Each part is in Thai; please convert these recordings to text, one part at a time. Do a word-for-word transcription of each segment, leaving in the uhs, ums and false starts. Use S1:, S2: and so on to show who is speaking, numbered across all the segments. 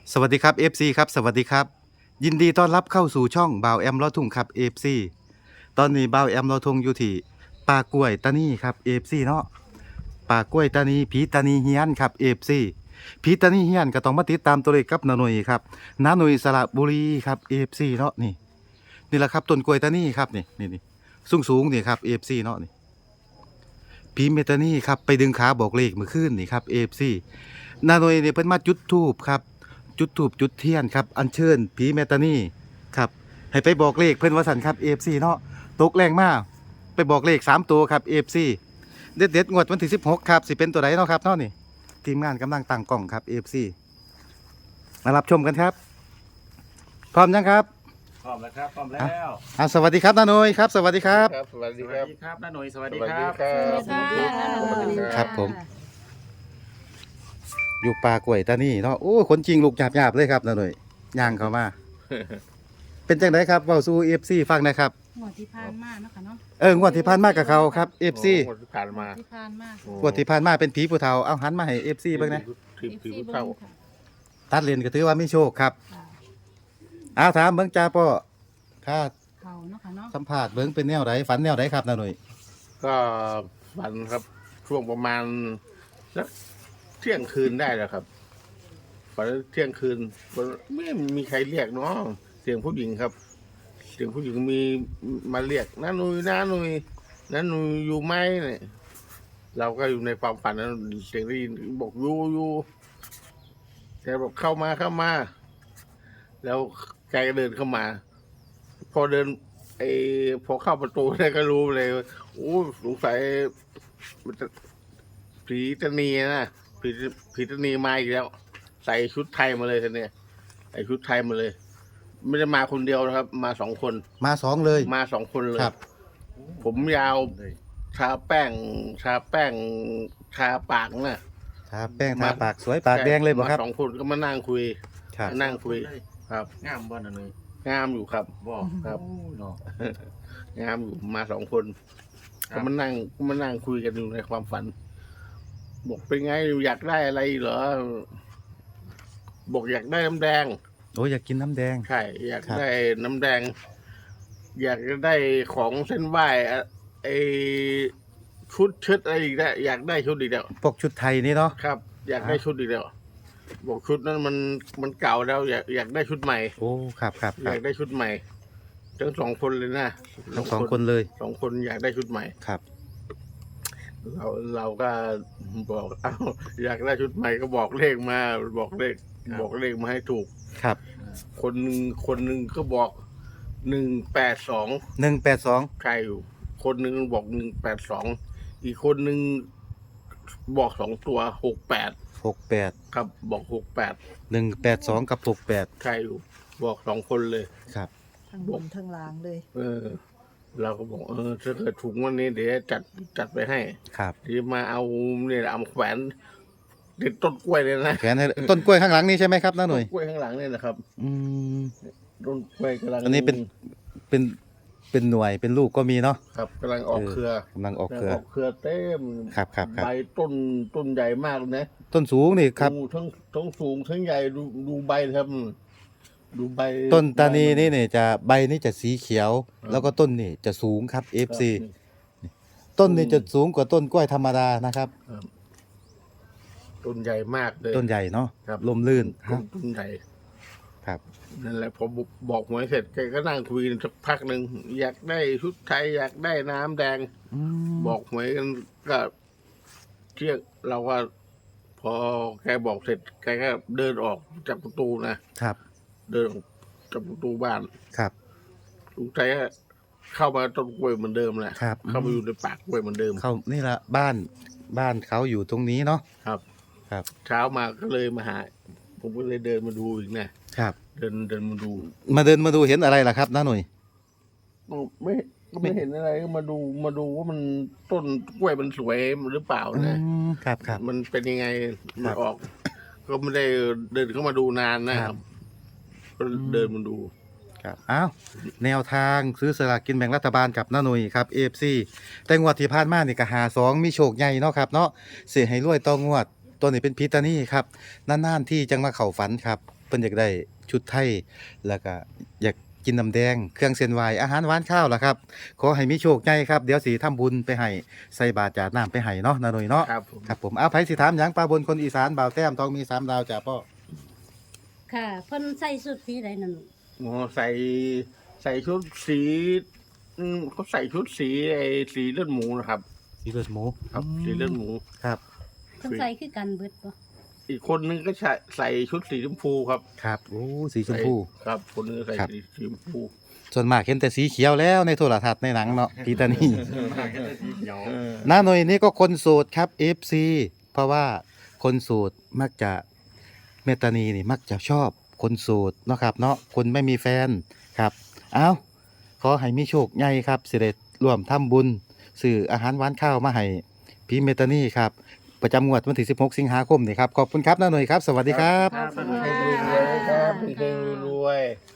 S1: สวัสดีครับ เอฟ ซี ครับสวัสดีครับยินดีต้อนรับเข้าสู่ช่องบ่าวแอมลอทุ่งครับ เอฟ ซี ตอนนี้บ่าวแอมลอทุ่งอยู่ที่ป่ากล้วยตานีครับ เอฟ ซี เนาะป่ากล้วยตานีผีตานีเฮียนครับ เอฟ ซี ผีตานีเฮียนก็ต้องมาติดตามตัวเลขกับนาหน่ยครับนาหน่ยสระบุรีครับ เอฟ ซี เนาะนี่นี่แหละครับต้นกล้วยตานีครับนี่นี่นี่สูงสูงๆนี่ครับ เอฟ ซี เนาะนี่ผีเมตานีครับไปดึงขาบอกเลขเมื่อคืนนี่ครับ เอฟ ซี นาหน่ยเนี่ยเพิ่นมาจุดธูปครับ จุดถูปจุดเทียนครับอัญเชิญผีเมตานีครับให้ไปบอกเลขเพิ่นว่าสันครับ เอฟ ซี เนาะตกแรงมากไปบอกเลขสามตัวครับ เอฟ ซี เด็ดเด็ดงวดวันที่สิบหกครับสิเป็นตัวไหนเนาะครับเนาะนี่ทีมงานกำลังตั้งกล้องครับ เอฟ ซี มารับชมกันครับพร้อมยังครับ
S2: พร้อมแล้วครับพร้อมแล้ว
S1: อ่ะสวัสดีครับนาโนยครับสวัสดีครับ
S3: ครับสวัส
S2: ส
S3: ดีค
S2: วั
S3: รั
S2: ส
S3: บ
S2: ดีครับน้าหน่ยสวัส
S3: ส
S2: ดี
S3: วัส
S2: ค
S3: ดี
S2: รับ
S3: ครับ
S4: สวัสดีค่ะ
S3: สวัสดี
S1: ครับผม อยู่ป่ากล้วยตานีเนาะโอ้คนจริงลูกหยาบๆเลยครับนาโนยย่างเข้ามา เป็นจังไดครับเว้าสู่ เอฟ ซี ฟังหนะครับ
S4: หมวดที่ผ่านมาเนาะค่ะเนาะ
S1: เอองวดที่ผ่านมากับเขาครับ เอฟ ซี
S3: โอ้ที่ผ่านมา
S4: ที่ผ่านมา
S1: งวดที่ผ่านมาเป็นผีผู้เฒ่าเอาหันมาให้ เอฟ ซี เบิ่งนะ
S3: ทีม
S4: เอฟ
S3: ทีม
S4: ซี
S3: เข้า
S4: เบิ้งค่ะ
S1: ตัดเลนก็ถือว่ามีโชคครับ
S4: ค่ะ
S1: เอาถามเบิ่งจ้าป้อค่า
S4: เขาเนาะค่ะเนาะ
S1: สัมภาษณ์เบิ่งเป็นแนวไหนฝันแนวไหนครับนาหน่ย
S3: ก็ฝันครับช่วงประมาณสักเที่ยงคืนได้แล้วครับฝันเที่ยงคืนไม่มีใครเรียกเนาะเสียงผู้หญิงครับ เสียงผู้หญิงมีมาเรียกน้าหนุยน้าหนุยน้าหนุยอยู่ไหมเนี่ยเราก็อยู่ในความฝันนั้นเสียงได้ยินบอกอยู่อยู่แกบอกเข้ามาเข้ามา แล้วแกก็เดินเข้ามา พอเดินไอ้พอเข้าประตูได้ก็รู้เลยว่าโอ้สงสัยมันจะผีตานีนะผีผีตานีมาอีกแล้ว ใส่ชุดไทยมาเลยทีเนี้ยใส่ชุดไทยมาเลย ไม่ได้มาคนเดียวนะครับ มาสองคน
S1: มาสองเลย
S3: มาสองคนเลย
S1: ครับ
S3: ผมยาวทาแป้งทาแป้งทาปากนะ
S1: ทาแป้งทาปากสวยปากแดงเลยบ่ครับ
S3: มาสองคนก็มานั่งคุย
S1: ครับ
S3: มานั่งคุย ครับ
S2: งามบ่น้าหน่ย
S3: งามอยู่ครับ
S2: บ่
S3: ครับ
S2: โอ้เนาะ
S3: งามอยู่มาสองคน
S2: ครั
S3: ก็
S2: บ
S3: มานั่งก็มานั่งคุยกันอยู่ในความฝัน บอกเป็นไงอยากได้อะไรเหรอ บอกอยากได้น้ำแดง
S1: โอ้อยากกินน้ำแดง
S3: ใช่อยาก
S1: ครับ
S3: ได้น้ำแดง อยากจะได้ของเส้นไหว้อะไอชุดชุดอะไรอีกแล้วอยากได้ชุดอีกแล้ว
S1: พวกชุดไทยนี่เนาะ
S3: ครับ อยากได้
S1: ครับ
S3: ชุดอีกแล้วบอกชุดนั้นมันมันเก่าแล้ว อยากอยากได้ชุดใหม่
S1: โอ้ครับครับค
S3: อ
S1: รับ
S3: ยากได้ชุดใหม่ทั้งสองคนเลยนะ
S1: ทั้งสองคนเลย
S3: สองคนอยากได้ชุดใหม่
S1: ครับ
S3: เราเราก็บอกเอ้าอยากได้ชุดใหม่ก็บอกเลขมาบอกเลขบอกเลขมาให้ถูก
S1: ครับ
S3: คนหนึ่งคนหนึ่งก็บอกหนึ่งแปดสอง
S1: หนึ่งแปดสอง
S3: ใครอยู่ คนหนึ่งบอกหนึ่งแปดสองอีกคนหนึ่งบอกสองตัวหกแปด
S1: หกแปด
S3: ครับบอกหกแปด
S1: หนึ่งแปดสองกับหกแปด
S3: ใครอยู่ บอกสองคนเลย
S1: ครับ
S4: ทั้งบนทั้งล่างเลย
S3: เออ เราก็บอกเออถ้าเกิดถุงวันนี้เดี๋ยวจัดจัดไปให้
S1: ครับ
S3: ที่มาเอาเนี่ยเอามาแขวนติดต้นกล้วยเลยนะ
S1: แขนให้ต้นกล้วยข้างหลังนี่ใช่ไหมครับน้าหน่ย
S3: ต้กล้วยข้างหลังเนี่ยนะครับ
S1: อืม
S3: ต้นกล้วยกำลัง
S1: อันนี้เป็น เป็นเป็นหน่วยเป็นลูกก็มีเนาะ
S3: ครับกำลังออกเครือก
S1: ำลังออกเครือ
S3: ออกเครือเต็ม
S1: ครับครับครับ
S3: ใบต้นต้นใหญ่มากเลยนะ
S1: ต้นสูงนี่ครับ
S3: ดูทั้งทั้งสูงทั้งใหญ่ดูดูใบครับ ดูใบ
S1: ต้นตานีนี่เนี่ยจะใบนี่จะสีเขียว
S3: ครับ
S1: แล้วก็ต้นนี่จะสูงครับ
S3: ครับ
S1: เอฟ ซี ต้นนี่จะสูงกว่าต้นกล้วยธรรมดานะครับ
S3: ครับต้นใหญ่มากเลย
S1: ต้นใหญ่เนาะ
S3: ครับ
S1: ลมลื่น
S3: ต้นต้นใหญ่
S1: ครับ
S3: นั่นแหละพอบอกหวยเสร็จแกก็นั่งคุยกันสักพักหนึ่งอยากได้ชุดไทยอยากได้น้ำแดง
S1: อืม
S3: บอกหวยกันก็เที่ยงเราก็พอแกบอกเสร็จแกก็เดินออกจากประตูนะครับ เดินออกจากประตูบ้าน
S1: ครับ
S3: ลุงใจก็เข้ามาต้นกล้วยเหมือนเดิมแหละ
S1: ครับ
S3: เข้ามาอยู่ในปากกล้วยเหมือนเดิม
S1: เขานี่ละบ้านบ้านเขาอยู่ตรงนี้เนาะ
S3: ครับ
S1: ครับ
S3: เช้ามาก็เลยมาหา ผมก็เลยเดินมาดูอีกนะครับ เดินเดินมาดู
S1: มาเดินมาดูเห็นอะไรล่ะครับน้าหน่ย
S3: ไม่ก็ไม่เห็นอะไรก็มาดูมาดูว่ามันต้นกล้วยมันสวยหรือเปล่า
S1: อื
S3: นะ
S1: มครับครับ
S3: มันเป็นยังไง
S1: ค
S3: มั
S1: รั
S3: น
S1: บ
S3: ออก ก็ไม่ได้เดินเข้ามาดูนานนะค
S1: ครั
S3: รับ
S1: บ
S3: ก็เดินมาดู
S1: ครับอ้าวแนวทางซื้อสลากกินแบ่งรัฐบาลกับน้าหน่ยครับ เอฟ ซี แต่งวดที่ผ่านมานี่ก็หาสองมีโชคใหญ่เนาะครับเนาะเสียให้รวยต่องวดตัวนี้เป็นพิตานี่ครับนานๆที่จังมาเข้าฝันครับเพิ่นอยากได้ชุดไทยแล้วก็อยากกินน้ำแดงเครื่องเส้นไหว้อาหารหวานข้าวล่ะครับขอให้มีโชคใหญ่ครับเดี๋ยวสิทำบุญไปให้ใส่บาตรจาดน้ำไปให้เนาะนาหน่อยเนาะ
S3: ครับผม
S1: ครับผมเอาไผสิถามหยังป้าบนคนอีสานบ่าวแต้มต้องมีสามดาวจ้ะพ่อ
S5: ค่ะเพิ่นใส่สุดสีใดนั่น
S3: หมอใส่ใส่ชุดสีอืมเขาใส่ชุดสีไอ้สีเลือดหมูนะครับ
S1: สีเลือดหมู
S3: ครับสีเลือดหมู
S1: ครับ
S5: เพิ่นใส่คือกันเบิดบ่
S3: อีกคนนึงก็ใส่ใส่ชุดสีชมพูครับ
S1: ครับโอ้สีชมพู
S3: ใส่ครับ คนนึงใส่
S1: ครับ
S3: สีชมพู
S1: ส่วนมากเห็นแต่สีเขียวแล้วในโทรทัศน์ในหนังเนาะพีตานี่
S2: มาแค่ทีเดียว
S3: เออ
S1: น้าหน่อยนี่ก็คนโสดครับ เอฟ ซี เพราะว่าคนโสดมักจะเมตตานีนี่มักจะชอบคนโสดเนาะครับเนาะคนไม่มีแฟนครับเอาขอให้มีโชคใหญ่ครับสิได้ร่วมทำบุญซื้ออาหารหวานข้าวมาให้พี่เมตตานีครับประจำงวดวันที่สิบหกสิงหาคมนี่ครับขอบคุณครับน้าหน่อยครับสวัสดีครับ
S3: ครับให้รวยๆครับให้รวย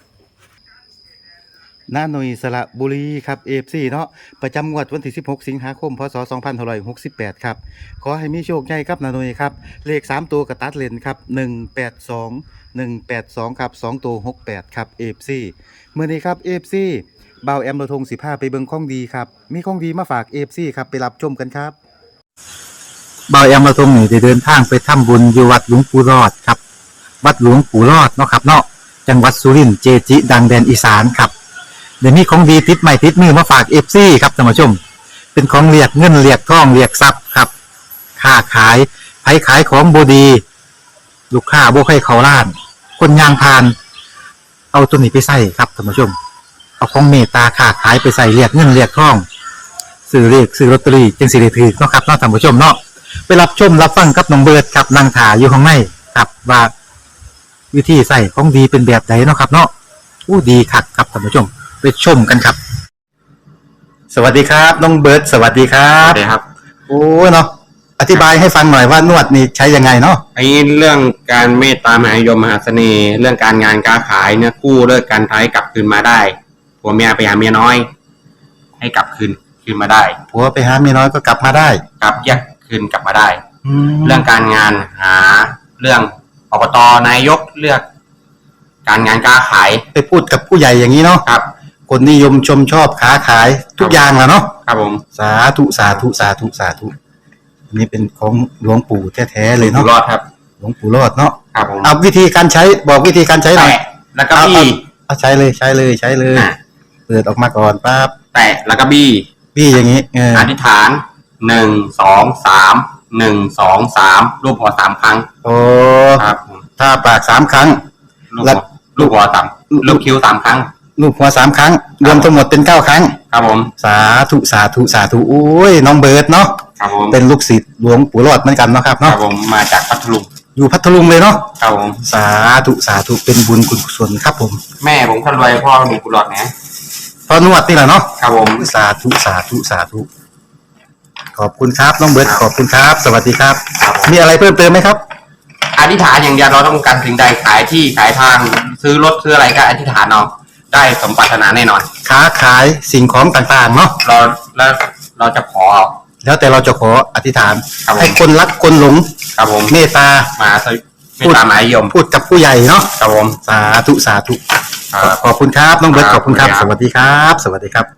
S1: น้าหน่ยสระบุรีครับเอฟซีเนาะประจำงวดวันที่สิบหกสิงหาคมพศสองพันห้าร้อยหกสิบแปดครับขอให้มีโชคใหญ่ครับน้าหน่ยครับเลขสามตัวกระตัดเลนครับหนึ่งแปดสองหนึ่งแปดสองครับสองตัวหกแปดครับเอฟซีเมื่อนี้ครับเอฟซีบ่าวแอมโรทงสิบห้าไปเบิ่งของดีครับมีของดีมาฝากเอฟซีครับไปรับชมกันครับบ่าวแอมโรทงนี่ได้เดินทางไปทำบุญอยู่วัดหลวงปู่รอดครับวัดหลวงปู่รอดเนาะครับเนาะจังหวัดสุรินทร์เจจิ ดังแดนอีสานครับเดี๋ยวนี้ของดีติดใหม่ติดมือมาฝากเอฟซีครับท่านผู้ชม เป็นของเรียกเงินเรียกทองเรียกทรัพย์ครับค้าขายไผขายของบดี ลูกค้าบ่ให้เขาล้าน คนยางพาน เอาตัวนี้ไปใส่ครับท่านผู้ชม เอาของเมตตาค้าขายไปใส่เรียกเงินเรียกทองซื้อเรียกซื้อลอตเตอรี่จึงสิได้ถือเนาะครับเนาะท่านผู้ชมเนาะไปรับชมรับฟังกับน้องเบิร์ดครับนางถาอยู่ข้างในครับว่าวิธีใส่ของดีเป็นแบบไหนเนาะครับเนาะอู้ดีคักครับท่านผู้ชม ไปชมกันครับ สวัสดีครับน้องเบิร์ดสวัสดีครั
S6: ครับ บครับ
S1: โอ้เนาะอธิบายให้ฟังหน่อยว่านวดนี่ใช้ยังไงเนาะ
S6: ไอ้เรื่องการเมตตามหานิยมมหาเสน่ห์ เรื่องการงานการขายเนี่ยกู้เลิกการท้ายกลับคืนมาได้ผัวเมียไปหาเมียน้อย ให้กลับคืนคืนมาได้
S1: ผัวไปหาเมียน้อยก็กลับมาได้
S6: กลับแยกคืนกลับมาได้
S1: แล้
S6: เรื่
S1: ว
S6: องการงานหาเรื่องอบตนายกเลือก การงานการขาย
S1: ไปพูดกับผู้ใหญ่อย่างนี้เนาะ
S6: ครับ
S1: คนนิยมชมชอบค้าขายทุกอย่างแหละเนาะ
S6: ครับผม
S1: สาธุสาธุสาธุสาธุอันนี้เป็นของหลวงปู่แท้ๆเลย
S6: อยู่
S1: เนาะ
S6: รอดครับ
S1: หลวงปู่รอดเนาะ
S6: ครับผม
S1: เอาวิธีการใช้บอกวิธีการใช้หน่อย
S6: แตะแล้วก็บี้
S1: เอาใช้เลยใช้เลยใช้เลย
S6: อ่ะ
S1: เปิดออกมาก่อนปั๊บ
S6: แตะแล้วก็บี้
S1: พี่อย่างนี้เออ
S6: อธิษฐานหนึ่งสองสามหนึ่งสองสามรูปหัวสามครั้ง
S1: โอ้
S6: ครับผม
S1: ถ้าปากสามครั้ง
S6: ลูก
S1: แล้
S6: หั
S1: ว
S6: วลูกหัวต่ำลูกคิ้วสามครั้ง
S1: ลูกหัวสามครั้ง รวมทั้งหมดเป็นเก้าครั้ง
S6: ครับผม
S1: สาธุสาธุสาธุโอ้ยน้องเบิร์ดเนาะ
S6: ครับผม
S1: เป็นลูกศิษย์หลวงปู่รอดเหมือนกันเนาะครับ
S6: ครั
S1: เนาะ
S6: บผมมาจากพัทลุง
S1: อยู่พัทลุงเลยเนาะ
S6: ครับผม
S1: สาธุสาธุเป็นบุญคุณกุศลครับผม
S6: แม่ผมคนรวยพ่อมีกุหลาบนะ
S1: พอนวดนี่แหละเนาะ
S6: ครับผม
S1: สาธุสาธุสาธุขอบคุณครับน้องเบิร์ดขอบคุณครับ สวัสดีครับ
S6: ครับผม
S1: มีอะไรเพิ่มเติมไหมครับ
S6: อธิษฐานอย่างเดียวเราต้องการสิ่งใดขายที่ขายทางซื้อรถซื้ออะไรก็อธิษฐานเอาได้สมปรารถนาแน่นอน
S1: ค้าขายสิ่งของต่างๆเนาะ
S6: เราแล้วเราจะขอ
S1: แล้วแต่เราจะขออธิษฐาน
S6: ครับผม
S1: ให้คนรักคนหลง
S6: ครับผม
S1: เมตตา
S6: มาสวิไม่ตามหมายยม
S1: พูดกับผู้ใหญ่เนาะ
S6: ครับผม
S1: สาธุสาธุ
S6: ครับ
S1: ขอบคุณครับน้องเบิร์ต
S6: ค
S1: ข
S6: รับ
S1: อบคุณครับ
S6: ขอบ
S1: ส
S6: คุณครับ
S1: วัสดีครับ สวัสดีครับ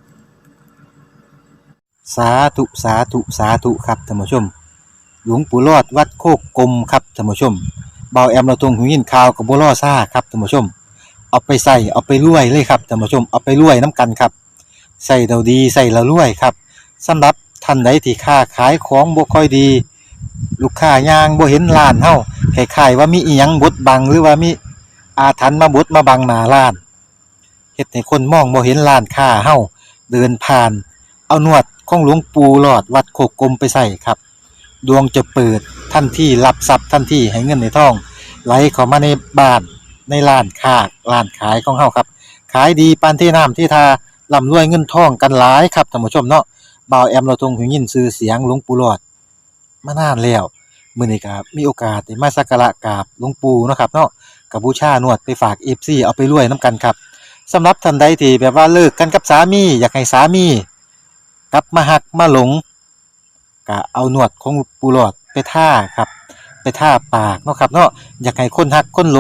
S1: สาธุสาธุสาธุครับท่านผู้ชม หลวงปู่รอดวัดโคกกลมครับท่านผู้ชมเบาแอมเราตรงหูยินข่าวกับบัวล่อซ่าครับท่านผู้ชม เอาไปใส่เอาไปรวยเลยครับท่านผู้ชมเอาไปรวยน้ำกันครับใส่เราดีใส่เรารวยครับสำหรับท่านใดที่ค้าขายของบ่ค่อยดี ลูกค้ายางบ่เห็นร้านเฮาคล้ายๆว่ามีอีหยังบดบังหรือว่ามีอาถรรพ์มาบดมาบังหน้าร้านเฮ็ดให้คนมองบ่เห็นร้านค้าเฮาเดินผ่าน เอานวดของหลวงปู่หลอดวัดโคกกลมไปใส่ครับดวงจะเปิดทันทีรับทรัพย์ทันทีให้เงินในท้องไหลเข้ามาในบ้านในร้านค้าร้านขายของเฮาครับขายดีปานที่น้ำที่ทาร่ำรวยเงินทองกันหลายครับท่านผู้ชมเนาะบ่าวแอมเราทรงหูยินชื่อเสียงหลวงปู่หลอดมานานแล้วมื้อนี้ก็มีโอกาสได้มาสักการะกราบหลวงปู่เนาะครับเนาะก็บูชานวดไปฝาก เอฟ ซี เอาไปรวยนํกันครับสำหรับท่านใดที่แบบว่าเลิกกันกับสามีอยากให้สามีกลับมาหักมาหลงก็เอานวดของปู่หลอดไปท่าครับไปท่าปากเนาะครับเนาะอยากให้คนหักคนหลง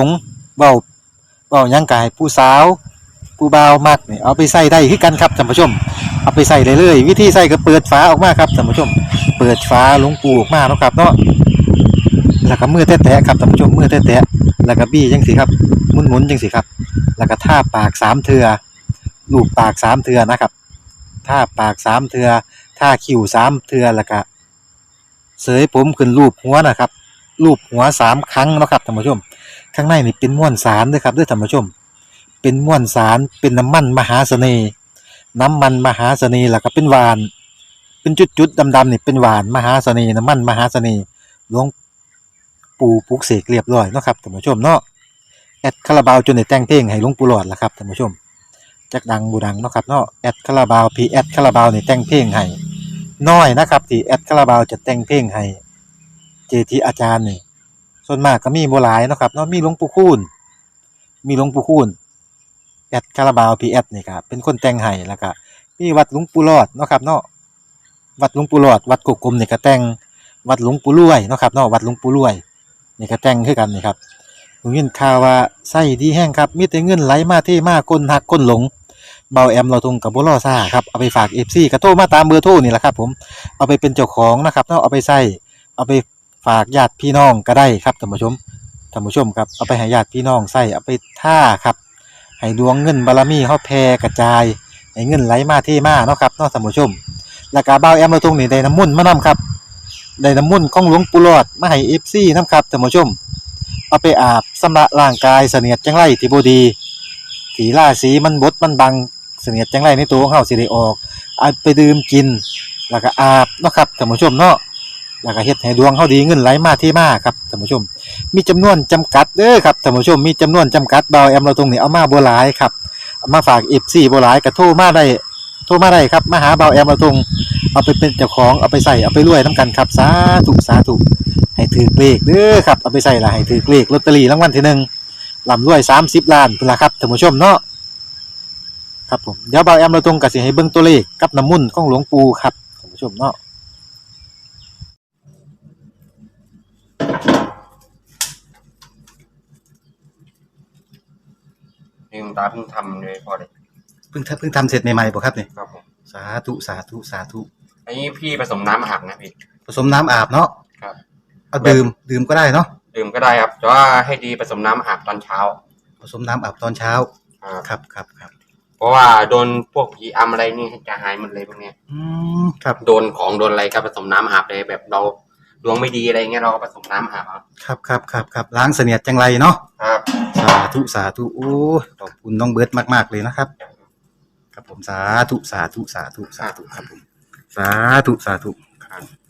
S7: เว้าเว้าหยังกายผู้สาวผู้บ่าวมักนี่เอาไปใส่ได้คือกันครับท่านผู้ชมเอาไปใส่ได้เลยวิธีใส่ก็เปิดฝาออกมาครับท่านผู้ชมเปิดฝาหลวงปูออกมาเนาะครับเนาะแล้วก็มือแตะๆครับท่านผู้ชมมือแตะๆแล้วก็บี้จังสิครับหมุนๆจังสิครับแล้วก็ทาปากสามเทื่อลูบปากสามเทื่อนะครับทาปากสามเทื่อทาคิ้วสามเทื่อแล้วก็เสยผมขึ้นรูปหัวนะครับรูปหัวสามครั้งเนาะครับท่านผู้ชมข้างในนี่เป็นม้วนสารเด้อครับเด้อท่านผู้ชมเป็นม้วนสารเป็นน้ำมันมหาเสน่ห์น้ำมันมหาเสน่ห์แล้วก็เป็นหวานเป็นจุดๆดำๆนี่เป็นหวานมหาเสน่ห์น้ำมันมหาเสน่ห์หลวงปู่ปลุกเสกเรียบร้อยเนาะครับท่านผู้ชมเนาะแอดคาราบาวจนได้แต่งเพลงให้หลวงปู่หลอดล่ะครับท่านผู้ชมจักดังบูดังเนาะครับเนาะแอดคาราบาวพีแอดคาราบาวนี่แต่งเพลงให้น้อยนะครับที่แอดคาราบาวจะแต่งเพลงให้เจทีอาจารย์นี่ส่วนมากก็มีบ่หลายเนาะครับเนาะมีหลวงปู่คูณมีหลวงปู่คูณแอดคาราบาวพีแอดนี่ครับเป็นคนแต่งให้แล้วก็มีวัดหลวงปู่หลอดเนาะครับเนาะวัดหลวงปู่หลอดวัดกุกกลมนี่ก็แต่งวัดหลวงปู่รวยเนาะครับเนาะวัดหลวงปู่รวยนี่ก็แต่งคือกันนี่ครับผมยินข่าวว่าไส้ดีแห้งครับมีแต่เงินไหลมาเทมาก้นหักก้นหลงเบาแอมเราทงกับบ่รอซ่าครับเอาไปฝาก เอฟ ซี ก็โทรมาตามเบอร์โทรนี่แหละครับผมเอาไปเป็นเจ้าของนะครับเนาะเอาไปใส่เอาไปฝากญาติพี่น้องก็ได้ครับท่านผู้ชมท่านผู้ชมครับเอาไปให้ญาติพี่น้องใส่เอาไปท่าครับให้ดวงเงินบารมีเฮาแผ่กระจายให้เงินไหลมาเทมาเนาะครับเนาะท่านผู้ชมแล้วก็เบาแอมเราทงนี่ได้น้ำมนต์มานํครับได้น้ำมนต์ของหลวงปู่หลอดมาให้ เอฟ ซี นํครับท่านผู้ชมเอาไปอาบชำระร่างกายเสนียดจังไรที่บ่ดีที่ราศีมันบดมันบังเสนียดจังไรในตัวของเฮาสิได้ออกเอาไปดื่มกินแล้วก็อาบเนาะครับท่านผู้ชมเนาะแล้วก็เฮ็ดให้ดวงเฮาดีเงินไหลมาเทมาครับท่านผู้ชมมีจำนวนจำกัดเด้อครับท่านผู้ชมมีจำนวนจำกัดเบาแอมเราตรงนี้เอามาบ่หลายครับเอามาฝาก เอฟ ซี บ่หลายก็โทรมาได้โทรมาได้ครับมาหาเบาแอมเราตรงเอาไปเป็นเจ้าของเอาไปใส่เอาไปรวยนํกันครับสาธุสาธุให้ถือเลขเด้อครับเอาไปใส่ละให้ถือเลขลอตเตอรี่รางวัลที่หนึ่งร่ำรวยสามสิบล้านพุ่นล่ะครับท่านผู้ชมเนาะครับผมเดี๋ยวเบาแอมเราตรงก็สิให้เบิ่งตัวเลขกับน้ำมนต์ของหลวงปู่ครับท่านผู้ชมเนาะ
S6: นี่คุณตาเพิ่งทำเลยพอเลย
S1: เพิ่งทำเพิ่งทำเสร็จใหม่ๆบ่ครับนี่
S6: ครับผม
S1: สาธุสาธุสาธุ
S6: อันนี้พี่ผสมน้ำอาบนะพี่
S1: ผสมน้ำอาบเนาะ
S6: ครับ
S1: เอาดื่มดื่มก็ได้เนาะ
S6: ดื่มก็ได้ครับแต่ว่าให้ดีผสมน้ำอาบตอนเช้า
S1: ผสมน้ำอาบตอนเช้า
S6: ครับ
S1: ครับครับครับ
S6: เพราะว่าโดนพวกผีอำอะไรนี่จะหายหมดเลยพวกเนี้ย
S1: อืมครับ
S6: โดนของโดนอะไรก็ผสมน้ำอาบเลยแบบเราดวงไม่ดีอะไรเงี้ยเราก็ผสมน้ำอาบเอา
S1: ครับครับครับครับล้างเสนียดจังไรเนาะ
S6: ครับ
S1: สาธุสาธุโอ้ยขอบคุณน้องเบิร์ตมากๆเลยนะครับครับผมสาธุสาธุสาธุสาธุครับผมสาธุสาธุ
S6: ครับ